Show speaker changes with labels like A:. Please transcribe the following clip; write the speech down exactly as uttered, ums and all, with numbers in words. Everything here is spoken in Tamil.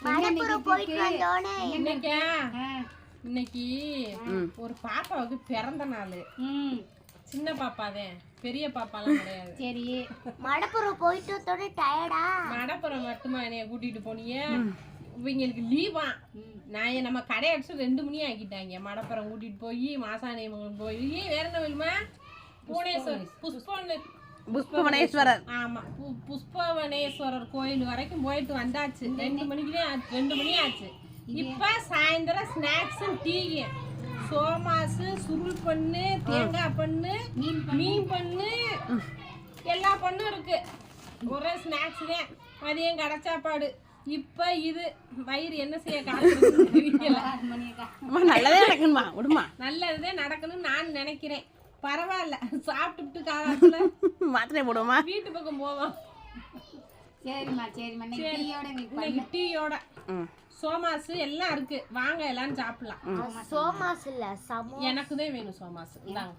A: இன்னைக்கு ஒரு பாப்பாவுக்கு பிறந்த நாள். சின்ன பாப்பாதான், பெரிய பாப்பாலாம் கிடையாது. சரி,
B: மடப்புறம் போயிட்டு வந்தோட டயர்டா?
A: மடப்புறம் மட்டுமா என்னைய கூட்டிட்டு போனீங்க? இவங்களுக்கு லீவா? நான் நம்ம கடை அடிச்சு ரெண்டு மணி ஆக்கிட்டாங்க. மடப்புறம் கூட்டிட்டு போய் மாசாணியம்மன் போய் வேற என்ன வேணுமா? புவனேஸ்வரர் புஷ்ப
C: புஷ்பவனேஸ்வரர்.
A: ஆமா, புஷ்பவனேஸ்வரர் கோயில் வரைக்கும் போயிட்டு வந்தாச்சு. ரெண்டு மணிக்குதான் ரெண்டு மணி ஆச்சு. இப்ப சாயந்தரம் ஸ்நாக்ஸ் டீ, சோமாசு, சுருள் பண்ணு, தேங்காய் பண்ணு, மீன் பண்ணு, எல்லா பண்ணும் இருக்கு. ஒரே ஸ்நாக்ஸ் தான். மதியம் கடை சாப்பாடு. இப்ப இது வயிறு என்ன செய்ய காட்டுறது தெரியல.
C: நல்லதே நடக்கணுமா? விடுமா,
A: நல்லதுதான் நடக்கணும்னு நான் நினைக்கிறேன். பரவாயில்ல, சாப்பிட்டுட்டு காலத்துல
C: மாத்திரை போடுவோமா?
A: வீட்டு பக்கம் போவோம்.
B: சரிம்மா சரிம்மா.
A: இன்னைக்கு டீயோட சோமாசு எல்லாம் இருக்கு. வாங்க எல்லாரும் சாப்பிடலாம்.
B: சோமாசு இல்ல,
A: எனக்கு தான் வேணும் சோமாசு.